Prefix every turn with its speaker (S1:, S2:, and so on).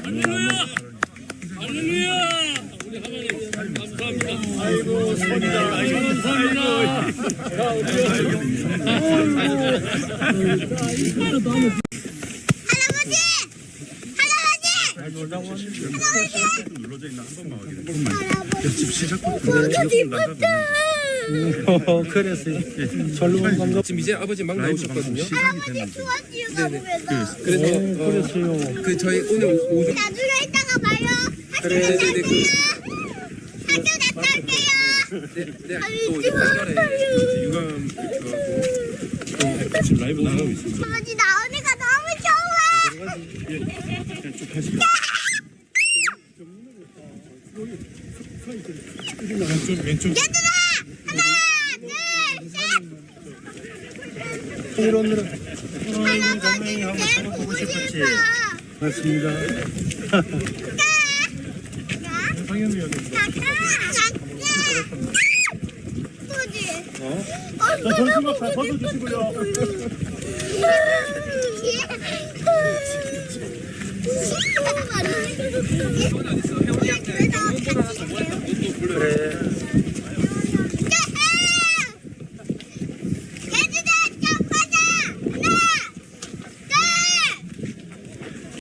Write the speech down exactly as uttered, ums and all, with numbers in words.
S1: 할렐루야! 할렐루야! 우리 하나님 감사합니다.
S2: 아이고 손이다. 아이고
S1: 감사합니다. 자, 우리
S2: 눌러져 있나 한 번만 확인해. 집 시작부터
S3: 어, 그래서 절로 간 건가?
S4: 지금 이제 아버지 막 나오셨거든요.
S5: 할아버지 수원지가 보면서
S4: 그래서
S3: 어,
S4: 어,
S3: 그랬어요.
S4: 그 저희 오늘 오전
S5: 나중에 이따가 봐요. 학교
S4: 그래,
S5: 갔다
S4: 네, 네,
S5: 올게요. 학교 갔다 올게요.
S4: 네, 네,
S5: 아니
S4: 또 이제 간절해.
S2: 유감 그거하고 지금 라이브 나가고 있습니다.
S5: 아버지 나오니까 너무 좋아.
S2: 그냥 쭉 하시고. 왼쪽 왼쪽.
S5: 얘들아 하나 둘
S3: 이런으로
S5: 셋. 할아버지 내 보고 싶어.
S3: 맞습니다.
S2: 상현이 형이.
S5: 벌써
S2: 벗어주시고요.
S5: 시끄러워.